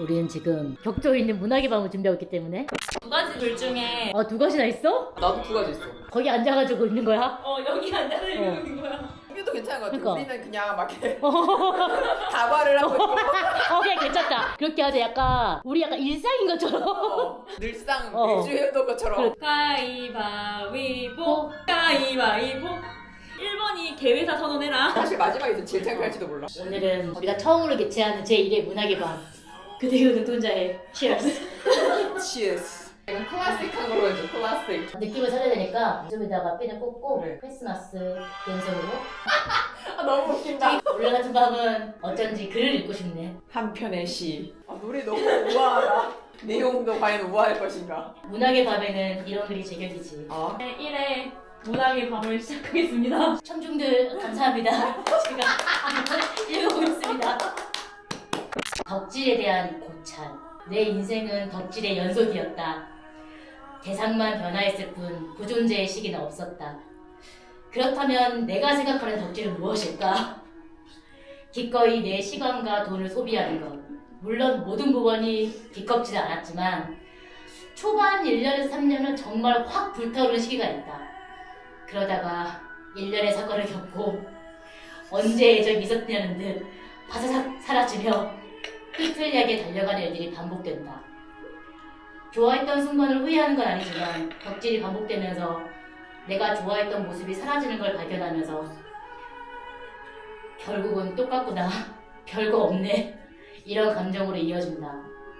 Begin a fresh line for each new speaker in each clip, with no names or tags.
우리는 지금 격조 있는 문학의 밤을 준비하고 있기 때문에
두 가지 글 중에
두 가지나 있어?
나도 두 가지 있어.
거기 앉아가지고 있는 거야?
여기 앉아서 읽는 거야.
이게도 괜찮은 것 같아.
그러니까.
우리는 그냥 막 이렇게 다발을 하고 있고
그냥 괜찮다. 그렇게 하자. 약간 우리 약간 일상인 것처럼.
늘상
어.
매주 해오던 것처럼.
가위바위보 가위바위보 1번이 개회사 선언해라.
사실 마지막에 제일 창피할지도 몰라.
오늘은 우리가 처음으로 개최하는 제1회 문학의 밤. 그대의 눈동자의 Cheers.
치에스. 이건 클래식한 걸로 해줘. 클래식.
느낌을 살려야 되니까 좀에다가 핀을 꽂고
그래.
크리스마스 연속으로
아 너무 웃긴다.
오늘 같은 밤은 어쩐지 글을 읽고 싶네.
한 편의 시. 아 노래 너무 우아하다. 내용도 과연 우아할 것인가.
문학의 밤에는 이런 글이 제격이지.
아.
1회 문학의 밤을 시작하겠습니다.
청중들 감사합니다. 제가 한번 읽어보겠습니다. 덕질에 대한 고찰. 내 인생은 덕질의 연속이었다. 대상만 변화했을 뿐 부존재의 시기는 없었다. 그렇다면 내가 생각하는 덕질은 무엇일까? 기꺼이 내 시간과 돈을 소비하는 것. 물론 모든 부분이 기껍지는 않았지만 초반 1년에서 3년은 정말 확 불타오르는 시기가 있다. 그러다가 1년의 사건을 겪고 언제 예정이 있었냐는 듯 바사삭 사라지며 삐뚤리하게 달려가는 일들이 반복된다. 좋아했던 순간을 후회하는 건 아니지만 덕질이 반복되면서 내가 좋아했던 모습이 사라지는 걸 발견하면서 결국은 똑같구나, 별거 없네, 이런 감정으로 이어진다.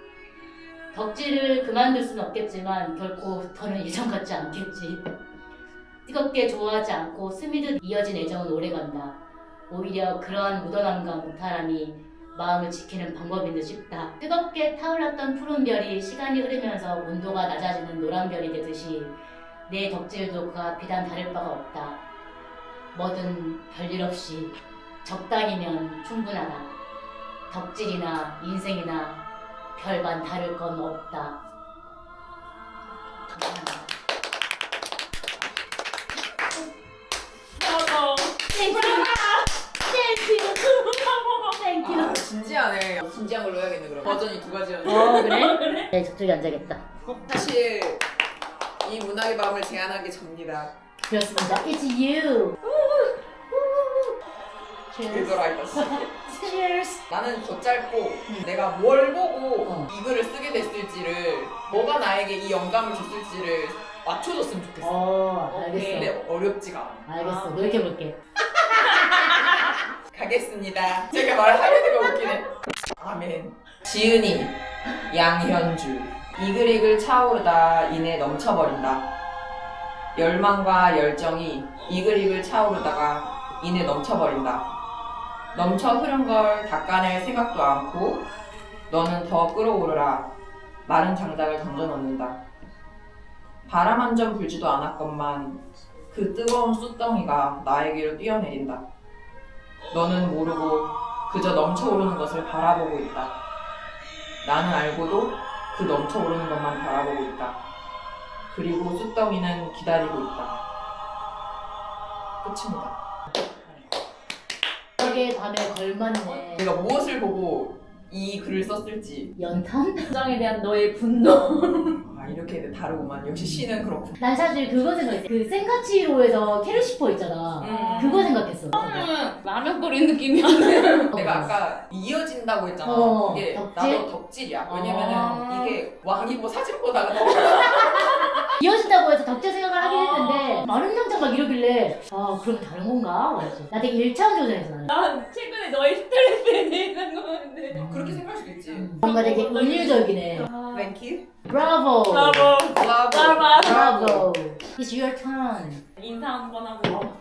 덕질을 그만둘 수는 없겠지만 결코 더는 예전 같지 않겠지. 뜨겁게 좋아하지 않고 스미듯 이어진 애정은 오래간다. 오히려 그러한 묻어남과 무탈함이 마음을 지키는 방법인 듯 싶다. 뜨겁게 타올랐던 푸른 별이 시간이 흐르면서 온도가 낮아지는 노란 별이 되듯이 내 덕질도 그와 비단 다를 바가 없다. 뭐든 별일 없이 적당히면 충분하다. 덕질이나 인생이나 별반 다를 건 없다. 감사합니다. 땡큐. 땡큐.
아 진지하네. 진지한 걸로 해야겠네 그럼. 버전이 두 가지였는데.
그래? 네, 저쪽에 앉아야겠다.
사실 이 문학의 밤을 제안한 게 접니다.
그렇습니다. It's you.
그거라 이거.
Cheers.
나는 더 짧고 내가 뭘 보고 이 글을 쓰게 됐을지를 뭐가 나에게 이 영감을 줬을지를 맞춰줬으면 좋겠어.
알겠어.
근데 어렵지가 않아.
알겠어. 노력해볼게.
가겠습니다. 제가 말하려니까 웃기네. 아멘. 지은이, 양현주. 이글이글 차오르다 이내 넘쳐버린다. 열망과 열정이 이글이글 차오르다가 이내 넘쳐버린다. 넘쳐 흐른 걸 닦아낼 생각도 않고 너는 더 끓어오르라. 마른 장작을 던져놓는다. 바람 한 점 불지도 않았건만 그 뜨거운 숯덩이가 나에게로 뛰어내린다. 너는 모르고 그저 넘쳐오르는 것을 바라보고 있다. 나는 알고도 그 넘쳐오르는 것만 바라보고 있다. 그리고 숯덩이는 기다리고 있다. 끝입니다.
문학의 밤에 걸맞네.
내가 무엇을 보고 이 글을 썼을지.
연탄?
세상에 대한 너의 분노.
아 이렇게 다르구만. 역시 시는 그렇고.
난 사실 그거 생각했어. 그 센카치로에서 캐르시퍼 있잖아. 그거 생각했어.
라면 끓인 느낌이었네.
내가 아까 이어진다고 했잖아. 그게
덕질?
나도 덕질이야. 왜냐면은 이게 왕이 뭐 사진 보다가 더
이어진다고 해서 덕질 생각을 하긴 했는데 마른 장작 막 이러길래 그러면 다른 건가? 그랬어. 나 되게 1차원적으로 생각했어. 나는.
난 최근에 너의 스트레스에 대해 생각하는데.
그렇게 생각할 수도 있지.
뭔가 되게 은유적이네.
땡큐.
브라보.
브라보.
브라보.
브라보. It's your turn.
인사 한번 하고.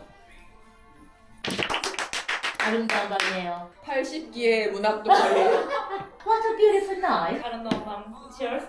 아름다운 밤이에요.
80기의 문학도 거의.
What a beautiful night.
아름다운 밤. Cheers.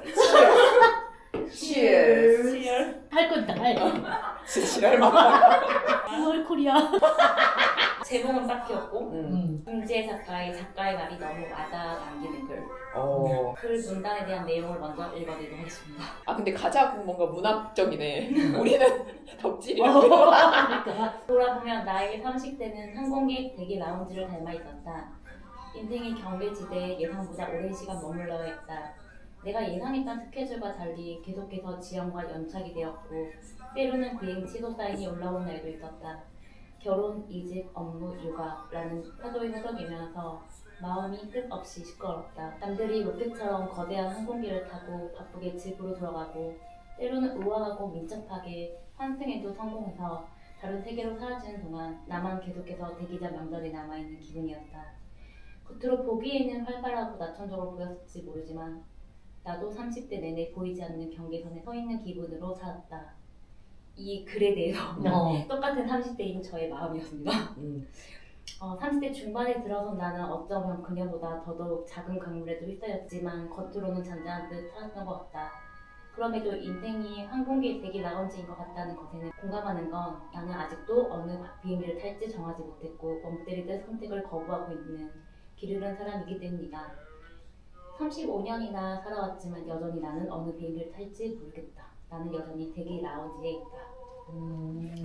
Cheers.
Cheers.
할 건다. 할.
지랄만.
9월 코리아.
제목은 딱히였고
음.
김재 작가의 말이 너무 와닿아 남기는 글. 글 문단에 대한 내용을 먼저 읽어드리도록 하겠습니다.
아 근데 가장 뭔가 문학적이네. 우리는 덕질이야.
그러니까.
돌아보면 나의 30대는 항공기 대기 라운지를 닮아 있었다. 인생의 경계지대에 예상보다 오랜 시간 머물러야 했다. 내가 예상했던 스케줄과 달리 계속해서 지연과 연착이 되었고 때로는 비행 취소 사인이 올라온 날도 있었다. 결혼, 이직, 업무, 육아라는 파도에 허덕이면서 마음이 끝없이 시끄럽다. 남들이 로켓처럼 거대한 항공기를 타고 바쁘게 집으로 돌아가고 때로는 우아하고 민첩하게 환승에도 성공해서 다른 세계로 사라지는 동안 나만 계속해서 대기자 명단에 남아있는 기분이었다. 겉으로 보기에는 활발하고 낙천적으로 보였을지 모르지만 나도 30대 내내 보이지 않는 경계선에 서 있는 기분으로 살았다. 이 글에 대해서 똑같은 30대인 저의 마음이었습니다. 30대 중반에 들어선 나는 어쩌면 그녀보다 더더욱 작은 강물에도 휩싸였지만 겉으로는 잔잔한 듯 살았던 것 같다. 그럼에도 인생이 항공기에 대기 라운지인 것 같다는 것에는 공감하는 건 나는 아직도 어느 비행기를 탈지 정하지 못했고 멍 때리듯 선택을 거부하고 있는 길 잃은 사람이기 때문이다. 35년이나 살아왔지만 여전히 나는 어느 비행기를 탈지 모르겠다. 나는 여전히 대기 라운지에 있다.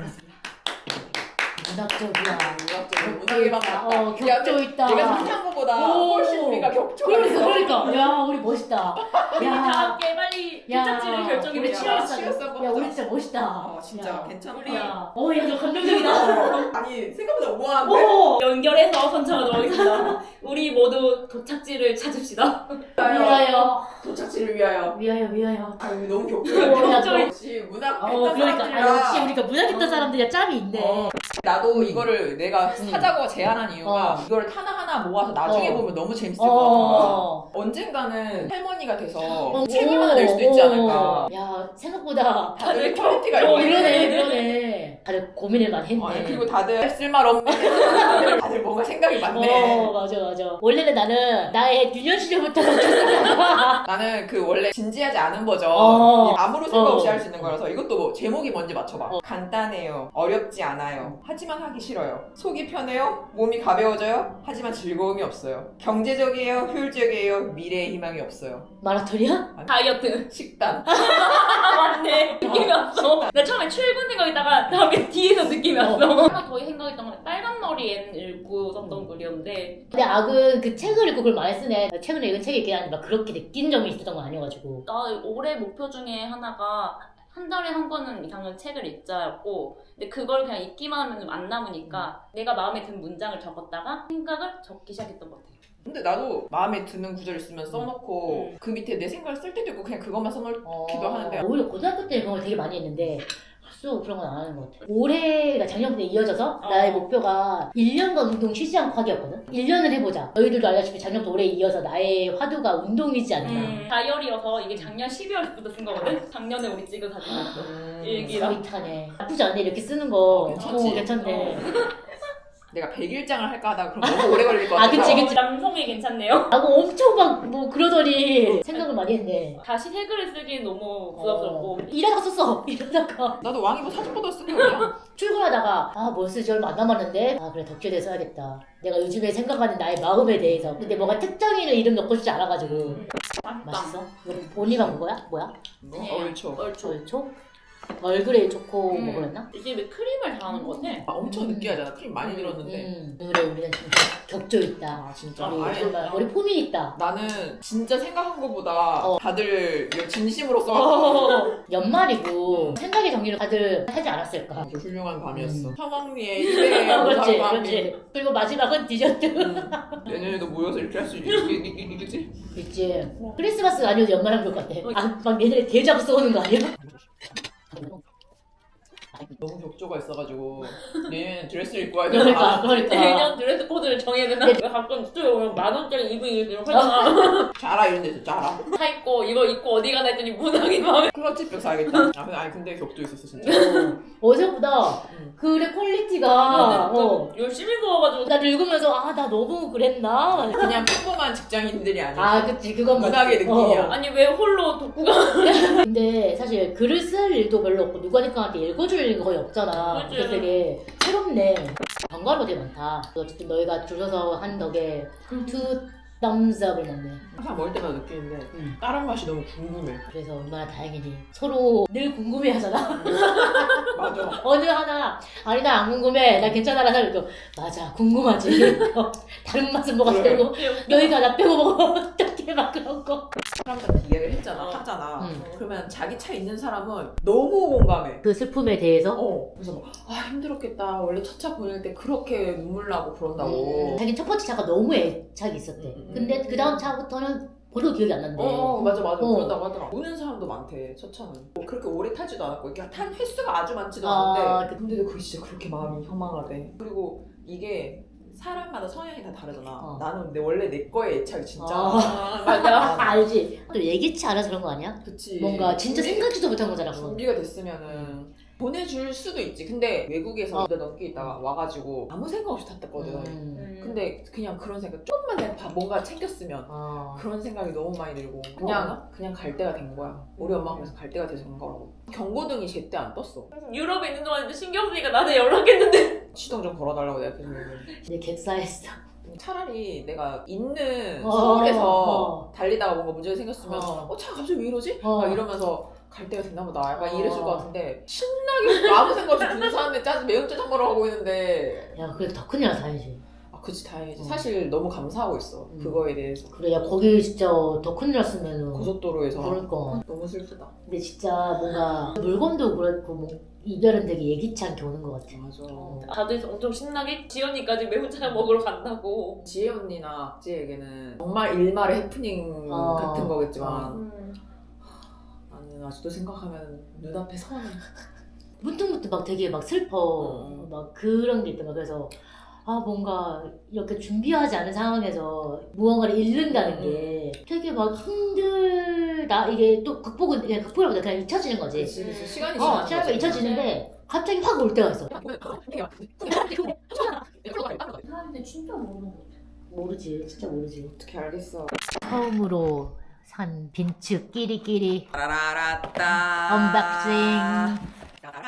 문학적이야.
문학의 방 같다.
격조 있다.
내가 생각한 것보다 훨씬 우리가 격조가 있어.
그러니까. 야, 우리 멋있다.
우리 다 함께 빨리 도착지를 결정해
우리
보자.
치였어.
야, 우리 진짜 멋있다.
진짜
야.
괜찮다.
우리
야, 너 감동적이다.
아니 생각보다 우아한데?
연결해서 선창하도록 하겠습니다. 우리 모두 도착지를 찾읍시다.
위하여.
도착지를 위하여.
위하여.
아 여기 너무
야,
격조야. 역시 문학했던
그러니까.
사람들이라.
역시 우리가 문학했던 사람들이야 짬이 있네.
나도 이거를 내가 사자고 제안한 이유가 이거를 하나하나 모아서 나중에 보면 너무 재밌을 것 같아. 언젠가는 할머니가 돼서 책을 하나 낼 수도 있지 않을까.
야, 생각보다
다들 퀄리티가
이러네. 다들 고민을 많이 했네.
그리고 다들 쓸말 없네. 다들 뭔가 생각이 많네.
맞아. 원래는 나는 나의 유년 시절부터
나는 그 원래 진지하지 않은 버전 아무런 생각 없이 할 수 있는 거라서 이것도 뭐 제목이 뭔지 맞춰봐. 간단해요. 어렵지 않아요. 하지만 하기 싫어요. 속이 편해요. 몸이 가벼워져요. 하지만 즐거움이 없어요. 경제적이에요. 효율적이에요. 미래의 희망이 없어요.
마라톤이야?
다이어트.
식단.
맞네. 느낌이 왔어. 나 처음에 출근 생각했다가 다음에 뒤에서 느낌이 왔어. 하나 더 생각했던 건 빨간 머리엔 읽고 썼던 글이었는데
근데 악은 그 책을 읽고 그걸 많이 쓰네. 최근에 읽은 책이 있긴 한데 막 그렇게 느낀 점이 있었던 건 아니어가지고.
나 올해 목표 중에 하나가 한 달에 한 권은 이상은 책을 읽자였고 근데 그걸 그냥 읽기만 하면 안 남으니까 내가 마음에 든 문장을 적었다가 생각을 적기 시작했던 것 같아요.
근데 나도 마음에 드는 구절 있으면 써놓고 그 밑에 내 생각을 쓸 때도 있고 그냥 그것만 써놓기도 하는데
오히려 고등학교 때 그런 걸 되게 많이 했는데 학수 그런 건 안 하는 것 같아. 올해가 작년부터 이어져서 나의 목표가 1년간 운동 쉬지 않고 하기였거든. 1년을 해보자. 너희들도 알다시피 작년부터 올해 이어서 나의 화두가 운동이지 않나.
다이어리여서 이게 작년 12월부터 쓴 거거든? 작년에 우리 찍은 사진이었어. 일기랑.
서윗하네. 나쁘지 않네 이렇게 쓰는 거.
괜찮지?
괜찮네.
내가 100일장을 할까 하다가 그럼 너무 오래 걸릴 것 같아서
그치.
남성이 괜찮네요.
하고 엄청 막 뭐 그러더니 생각을 많이 했네.
다시 새 글을 쓰기엔 너무 부담스럽고
일하다가 썼어. 일하다가.
나도 왕이보 사진보다 쓴 거야.
출근하다가 뭐 쓸지 얼마 안 남았는데 그래 덕질에 써야겠다. 내가 요즘에 생각하는 나의 마음에 대해서. 근데 뭔가 특정인을 이름 넣고 싶지 않아가지고. 맛있어? 이거 본이가 그거야? 뭐야?
얼초.
얼초? 얼그레이 초코 뭐 그랬나?
이게 왜 크림을 다 하는 거 같아?
엄청 느끼하잖아. 크림 많이 들었는데.
그래 우리는 진짜 격조 있다.
진짜.
우리
아니,
정말 우리 폼이 있다.
나는 진짜 생각한 것보다 다들 진심으로 써가지고
연말이고 생각의 정리를 다들 하지 않았을까?
훌륭한 밤이었어. 사망리의 희대의
그렇지. 그리고 마지막은 디저트.
내년에도 모여서 이렇게 할 수 있겠지?
있지. 크리스마스가 아니어도 연말하면 좋을 것 같아. 막 내년에 대자고 써오는 거 아니야?
너무 격조가 있어가지고 내년 드레스를 입고 와야 되나?
그러니까.
내년 드레스 코드를 정해야 되나? 왜 가끔 스토리 오면 10,000원짜리 이브 이렇게 하잖아.
자라 이런 데서 자라.
사 입고 이거 입고 어디 가나 했더니 문학이 마음에
클러치백 사야겠다. 근데 격조 있었어 진짜.
어제보다 글의 퀄리티가
열심히 써가지고
나를 읽으면서 나 너무 그랬나?
그냥 평범한 직장인들이 아니야.
그치 그건
문학의 느낌이야.
아니 왜 홀로 독후가
근데 사실 글을 쓸 일도 별로 없고 누가 니까한테 읽어줄 일이 거의 없잖아.
그치.
그래서 되게 새롭네. 번거로운 게 많다. 어쨌든 너희가 줄여서 한 덕에 투 땀zap을 먹네.
항상 먹을 때마다 느끼는데
응.
다른 맛이 너무 궁금해.
그래서 얼마나 다행이니. 서로 늘 궁금해하잖아.
맞아.
어느 하나 아니 나 안 궁금해 나 괜찮아라서 이러고 맞아 궁금하지. 다른 맛은 뭐가
그래.
되고 여기가 나 빼고 먹으면 어떡해 막 그런 거.
사람들한테 이야기를 했잖아. 하잖아.
응.
그러면 자기 차 있는 사람은 너무 공감해.
그 슬픔에 대해서
그래서 막, 힘들었겠다. 원래 첫 차 보낼 때 그렇게 눈물 나고 그런다고.
자기 첫 번째 차가 너무 애착이 있었대. 근데 그 다음 차부터는 별로 기억이 안 난대.
맞아.
어.
그런다고 하더라. 우는 사람도 많대, 첫 차는. 그렇게 오래 타지도 않았고, 이렇게 탄 횟수가 아주 많지도
아,
않은데. 근데도 그게 진짜 그렇게 마음이 허망하대. 그리고 이게 사람마다 성향이 다 다르잖아. 나는 원래 내 거에 애착이 진짜.
맞아. 알지. 또 예기치 않아서 그런 거 아니야?
그치.
뭔가 진짜 생각지도 못한 거잖아. 그거.
준비가 됐으면은 보내줄 수도 있지. 근데 외국에서 2달 넘게 있다가 와가지고 아무 생각 없이 탔댔거든. 근데 그냥 그런 생각, 조금만 내가 뭔가 챙겼으면 그런 생각이 너무 많이 들고 그냥 갈 때가 된 거야. 우리 엄마가 그래서 갈 때가 돼서 간 거라고. 경고등이 제때 안 떴어.
유럽에 있는 동안 신경 쓰니까 나한테 연락했는데
시동 좀 걸어달라고 내가 계속
근데 객사했어.
차라리 내가 있는
어,
서울에서 달리다가 뭔가 문제가 생겼으면
어.
차가 갑자기 왜 이러지?
어.
막 이러면서 갈 때가 됐나 보다. 약간 이랬을 것 같은데 신나게 아무 생각 없이 부산에 매운 짜장 먹으러 가고 있는데
야 그래도 더 큰일 나서 다행이지.
그치 다행이지. 사실 너무 감사하고 있어. 그거에 대해서.
그래 야 거기 진짜 더 큰일 났으면은
고속도로에서
그러니까.
너무 슬프다.
근데 진짜 뭔가 물건도 그렇고 뭐 이별은 되게 예기치 않게 오는 것 같아.
맞아.
다들 엄청 신나게 지연이까지 매운짜장 먹으러 간다고.
지혜 언니나 악지에게는 정말 일말의 해프닝 같은 거겠지만 나는 아직도 생각하면 눈앞에 선해.
문득문득 막 되게 막 슬퍼. 막 그런 게 있던 거야. 그래서 뭔가 이렇게 준비하지 않은 상황에서 무언가를 잃는다는 게 되게 막 힘들다. 이게 또 극복이라보다 그냥 잊혀지는 거지.
그치. 시간이
시간이 잊혀지는데 갑자기 확 올 때가 있어.
사람들 진짜 모르는 거 같아.
모르지. 진짜 모르지.
어떻게 알겠어.
처음으로 산 빈츠 끼리끼리
라라라따
언박싱.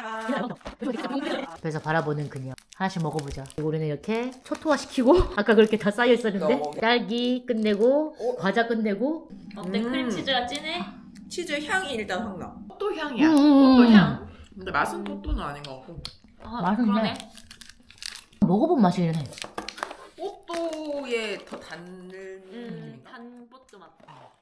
그래서 바라보는 그녀. 하나씩 먹어보자. 우리는 이렇게 초토화시키고 아까 그렇게 다 쌓여 있었는데 딸기 끝내고 과자 끝내고
어때? 크림치즈가 진해?
치즈 향이 일단 확 나. 또또 향이야.
음.
또또 향. 근데 맛은 또또는 아닌 것 같고.
맛있네.
그러네.
먹어본 맛이긴 해.
또또의 더 단 느낌.
단버터 맛.